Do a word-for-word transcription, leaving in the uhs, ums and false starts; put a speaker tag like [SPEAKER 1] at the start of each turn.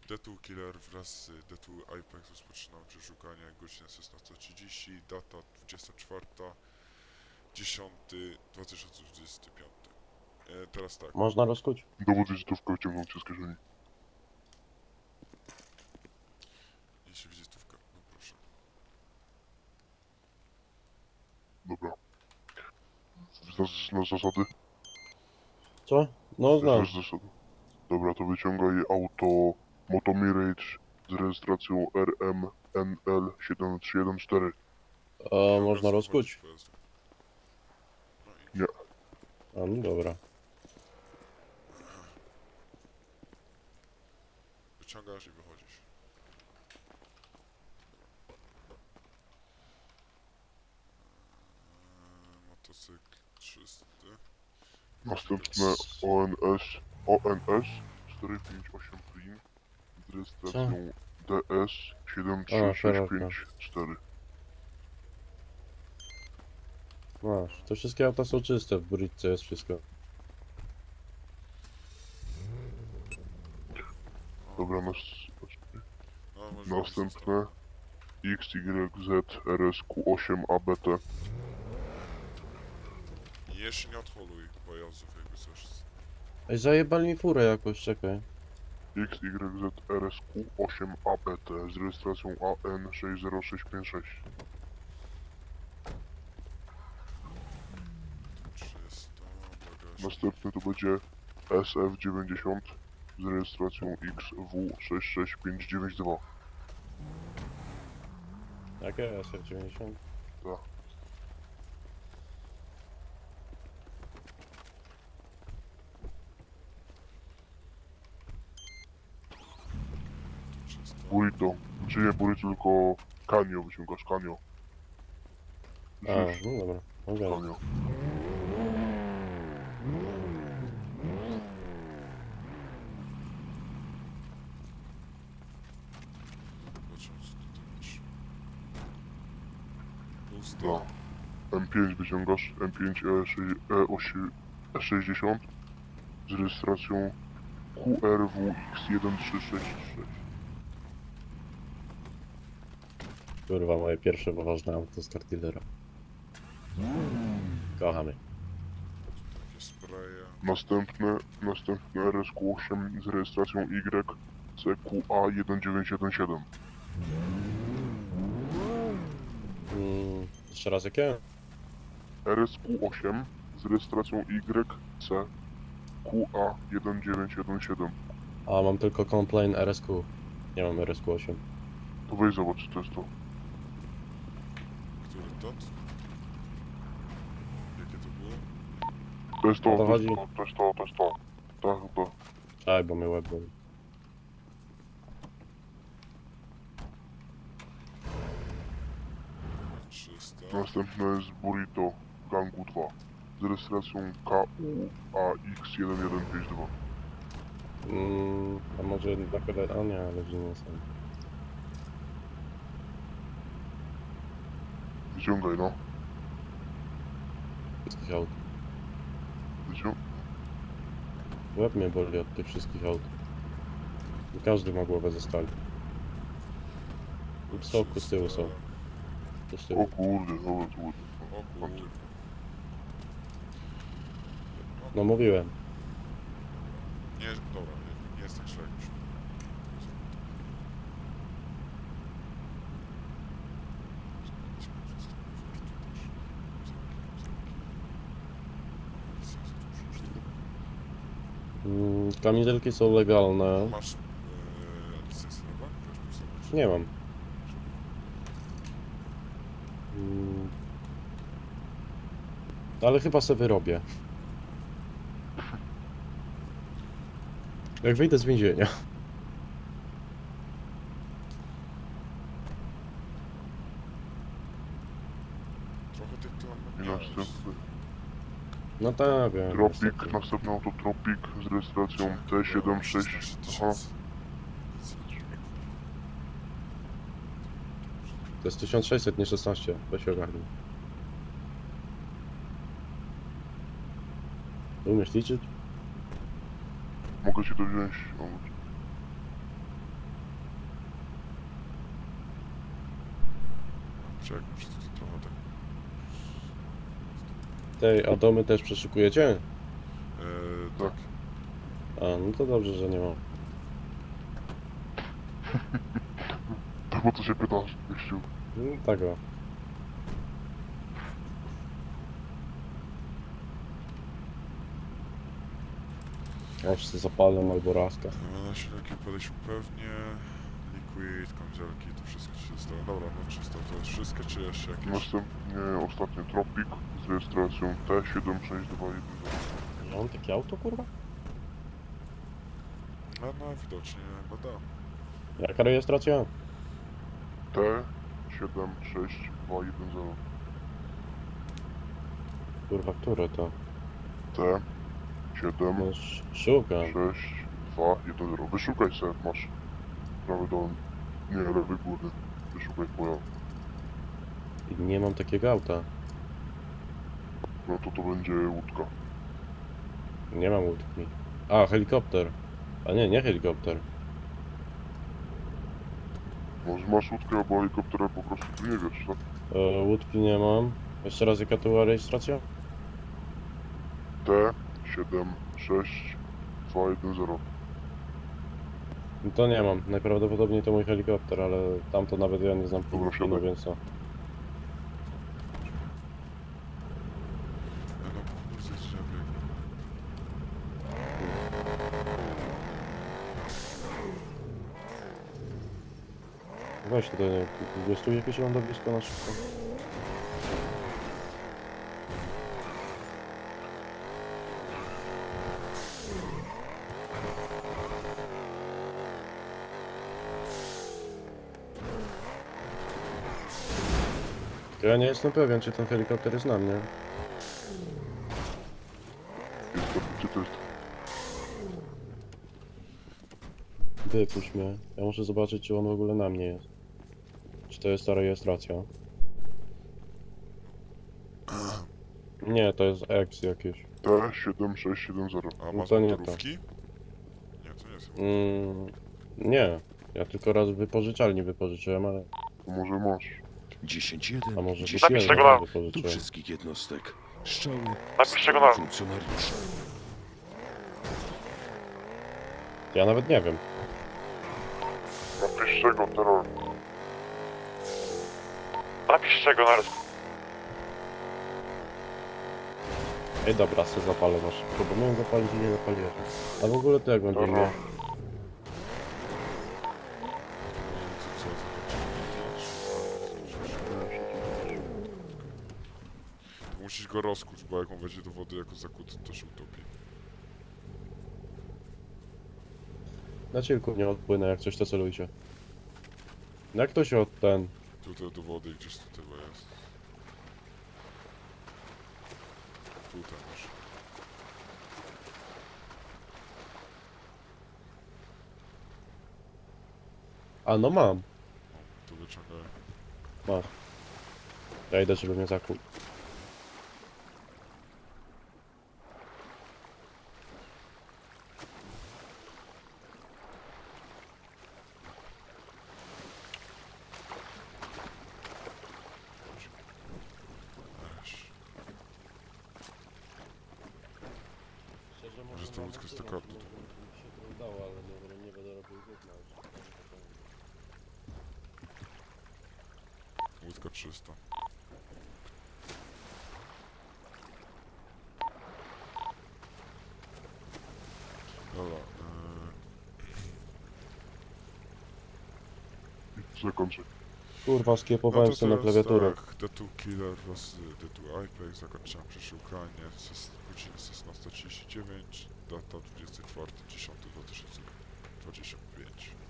[SPEAKER 1] Detu Killer wraz z Detu Apex rozpoczynam przeszukanie godzina szesnasta trzydzieści, data dwudziesta czwarta dziesiąty dwa tysiące dwudziesty piąty. E, teraz tak,
[SPEAKER 2] Można rozkuć?
[SPEAKER 3] Dowód wizytówkę wyciągnąć z kieszeni.
[SPEAKER 1] jeśli wizytówka, no proszę.
[SPEAKER 3] Dobra. Znasz na zasady?
[SPEAKER 2] Co? No znam.
[SPEAKER 3] Znasz zasady. Dobra, to wyciągaj auto Moto Mirage z rejestracją R M N L siedem trzy jeden cztery.
[SPEAKER 2] A
[SPEAKER 1] Nie
[SPEAKER 2] można
[SPEAKER 1] obecnie
[SPEAKER 2] rozkuć?
[SPEAKER 1] wchodzić w pojazdu. No i
[SPEAKER 3] Nie.
[SPEAKER 2] A no dobra.
[SPEAKER 1] wyciągasz i wychodzisz. Eee, motocykl czysty.
[SPEAKER 3] Następne O N S O N S cztery pięć osiem Print z rejestracją D S siedem trzy
[SPEAKER 2] A,
[SPEAKER 3] sześć
[SPEAKER 2] szeroko.
[SPEAKER 3] pięć cztery.
[SPEAKER 2] Masz. To wszystkie auta są czyste, w bridce jest wszystko.
[SPEAKER 3] Dobra, nas...
[SPEAKER 1] No, może
[SPEAKER 3] Następne X Y Z R S Q osiem A B T.
[SPEAKER 1] jeszcze nie odholuj pojazdów, jakby coś.
[SPEAKER 2] Ej, zajebali mi furę jakoś, czekaj.
[SPEAKER 3] X Y Z R S Q osiem A B T z rejestracją A N sześć zero sześć pięć sześć.
[SPEAKER 1] Czysto, bagaż.
[SPEAKER 3] Następny to będzie S F dziewięćdziesiąt z rejestracją X W sześć sześć pięć dziewięć dwa.
[SPEAKER 2] Jakie? S F dziewięćdziesiąt?
[SPEAKER 3] Tak.
[SPEAKER 1] Czysto.
[SPEAKER 3] Burrito. Czy nie burrito, tylko kanio wyciągasz, kanio.
[SPEAKER 2] A,
[SPEAKER 3] Żyż,
[SPEAKER 2] no dobra. Mogę.
[SPEAKER 3] kanio.
[SPEAKER 1] Zobaczymy, co tutaj masz. Pusta.
[SPEAKER 3] No. M pięć wyciągasz, M pięć E sześćdziesiąt z rejestracją Q R W X jeden trzy sześć sześć.
[SPEAKER 2] Kurwa, moje pierwsze poważne auto z kartillera. Kochamy.
[SPEAKER 1] Takie spreje.
[SPEAKER 3] Następne, następne R S Q osiem z rejestracją Y C Q A jeden dziewięć jeden siedem.
[SPEAKER 2] Mm, jeszcze raz jakie?
[SPEAKER 3] R S Q osiem z rejestracją Y C Q A jeden dziewięć jeden siedem.
[SPEAKER 2] A, mam tylko complain R S Q. Nie mam R S Q osiem.
[SPEAKER 3] To weź zobacz, czy to jest to.
[SPEAKER 1] Który to? Jakie to było?
[SPEAKER 3] To jest to,
[SPEAKER 2] O to
[SPEAKER 3] to jest
[SPEAKER 2] chodzi?
[SPEAKER 3] to, to jest to, to jest to. Tak, to.
[SPEAKER 2] Czekaj, bo mnie łeb boli.
[SPEAKER 1] Czysto.
[SPEAKER 3] Następne jest Burrito Gangu dwa z rejestracją K U A X jeden jeden pięć dwa.
[SPEAKER 2] Mm, a może na kolej... A nie, ale nie są.
[SPEAKER 3] Wyciągaj, no.
[SPEAKER 2] Wszystkich aut.
[SPEAKER 3] Wycią...
[SPEAKER 2] Łeb mnie boli od tych wszystkich aut. I każdy ma głowę ze stali. I w soku z tyłu są. Tu z
[SPEAKER 3] O
[SPEAKER 2] tyłu.
[SPEAKER 3] kurde, dobra, to było.
[SPEAKER 1] O kurde.
[SPEAKER 2] No mówiłem.
[SPEAKER 1] Nie, dobra, nie, nie jest tak źle jak myślałem.
[SPEAKER 2] Mm, kamizelki są legalne.
[SPEAKER 1] Masz e, licencję na bank? Też muszę
[SPEAKER 2] Nie mam. Mm, ale chyba sobie wyrobię. Jak wyjdę z więzienia.
[SPEAKER 1] Trochę tych tu
[SPEAKER 3] I
[SPEAKER 1] mam
[SPEAKER 3] następny.
[SPEAKER 2] No tak, wiem.
[SPEAKER 3] Tropic,
[SPEAKER 2] niestety.
[SPEAKER 3] następne auto Tropic z rejestracją T siedem sześć. Aha,
[SPEAKER 2] To jest tysiąc sześćset, nie szesnaście. Weź ogarnij. Umiesz liczyć?
[SPEAKER 3] mogę ci to wziąć. O,
[SPEAKER 1] Czekaj, muszę to trochę tak...
[SPEAKER 2] Tej, a domy też przeszukujecie?
[SPEAKER 1] Eee, tak.
[SPEAKER 2] A, no to dobrze, że nie ma.
[SPEAKER 3] To po co się pytasz, gościu?
[SPEAKER 2] No, tak o. Ja wszyscy zapalę albo raska.
[SPEAKER 1] Na silniki podejść pewnie. Liquid, kamizelki, to wszystko ci się zostało. Dobra, no czysto, to jest wszystko, czy jeszcze jakieś?
[SPEAKER 3] Następnie ostatni Tropic z rejestracją T siedem sześć dwa jeden zero.
[SPEAKER 2] Ja mam takie auto, kurwa?
[SPEAKER 1] A no, widocznie chyba da.
[SPEAKER 2] Jaka rejestracja?
[SPEAKER 3] T siedem sześć dwa jeden zero.
[SPEAKER 2] Kurwa, które to?
[SPEAKER 3] T siedem
[SPEAKER 2] No, sz- szukam.
[SPEAKER 3] sześć dwa jeden zero. Wyszukaj se, masz prawy dolny. Nie, lewy górny. Wyszukaj pojazd.
[SPEAKER 2] I nie mam takiego auta.
[SPEAKER 3] No to to będzie łódka.
[SPEAKER 2] Nie mam łódki. A, helikopter. A nie, nie helikopter.
[SPEAKER 3] Może masz łódkę albo helikoptera, po prostu tu nie wiesz, tak?
[SPEAKER 2] E, łódki nie mam. Jeszcze raz, jaka to była rejestracja?
[SPEAKER 3] T siedem sześć dwa jeden zero.
[SPEAKER 2] No to nie mam. Najprawdopodobniej to mój helikopter, ale tamto nawet ja nie znam
[SPEAKER 3] Dobra,
[SPEAKER 2] pinu,
[SPEAKER 3] siadaj.
[SPEAKER 2] więc co.
[SPEAKER 1] Ja no kurde, drzewie.
[SPEAKER 2] Weź tutaj, jest tu jakieś lądowisko na szybko? Tylko ja nie jestem pewien, czy ten helikopter jest na mnie.
[SPEAKER 3] Jest to, gdzie to jest?
[SPEAKER 2] Wypuść mnie. Ja muszę zobaczyć, czy on w ogóle na mnie jest. Czy to jest ta rejestracja? Nie, to jest X jakieś.
[SPEAKER 3] T siedem sześć siedem zero.
[SPEAKER 1] A
[SPEAKER 2] No
[SPEAKER 1] masz
[SPEAKER 2] to nie
[SPEAKER 1] motorówki? Nie, to nie jest chyba.
[SPEAKER 2] Mm, nie. Ja tylko raz w wypożyczalni wypożyczyłem, ale...
[SPEAKER 3] To może masz.
[SPEAKER 4] dziesięć
[SPEAKER 2] A
[SPEAKER 4] jeden,
[SPEAKER 2] może
[SPEAKER 4] dziesięć
[SPEAKER 2] kupiłem,
[SPEAKER 5] tego
[SPEAKER 2] ale
[SPEAKER 5] na-
[SPEAKER 4] do
[SPEAKER 2] wypożyczyłem.
[SPEAKER 4] wszystkich jednostek. Strzały
[SPEAKER 5] Napisz tego na-
[SPEAKER 4] funkcjonariusza.
[SPEAKER 2] Ja nawet nie wiem.
[SPEAKER 3] Napisz czego, terror.
[SPEAKER 5] Napisz czego na
[SPEAKER 2] Ej, dobra, se zapalę masz. Bo miałem zapalić i nie zapaliłem. A w ogóle to jak będzie
[SPEAKER 3] Dobra.
[SPEAKER 2] mnie?
[SPEAKER 1] Co, co, to musisz go rozkuć, bo jak on wejdzie do wody jako zakuty, to się utopi.
[SPEAKER 2] Na cielku nie odpłynę, jak coś to celujcie. No jak to się od ten...
[SPEAKER 1] Tutaj do wody gdzieś tutaj chyba jest. Tutaj masz.
[SPEAKER 2] A no mam.
[SPEAKER 1] Tu wyciągaj.
[SPEAKER 2] Masz. Ja idę, żeby mnie zakuł.
[SPEAKER 1] Weź. Może to łódka z takardu.
[SPEAKER 2] Mi się to udało, ale nie, nie będę robił gówna już.
[SPEAKER 1] Łódka trzysta. Dobra, yy...
[SPEAKER 3] Zakończę.
[SPEAKER 2] Kurwa, skiepowałem sobie na klawiaturę.
[SPEAKER 1] tak, D two Killer vs D two Apex, zakończyłem przeszukanie, z godziny szesnasta trzydzieści dziewięć, data dwudziestego czwartego dziesiątego dwa tysiące dwudziestego piątego.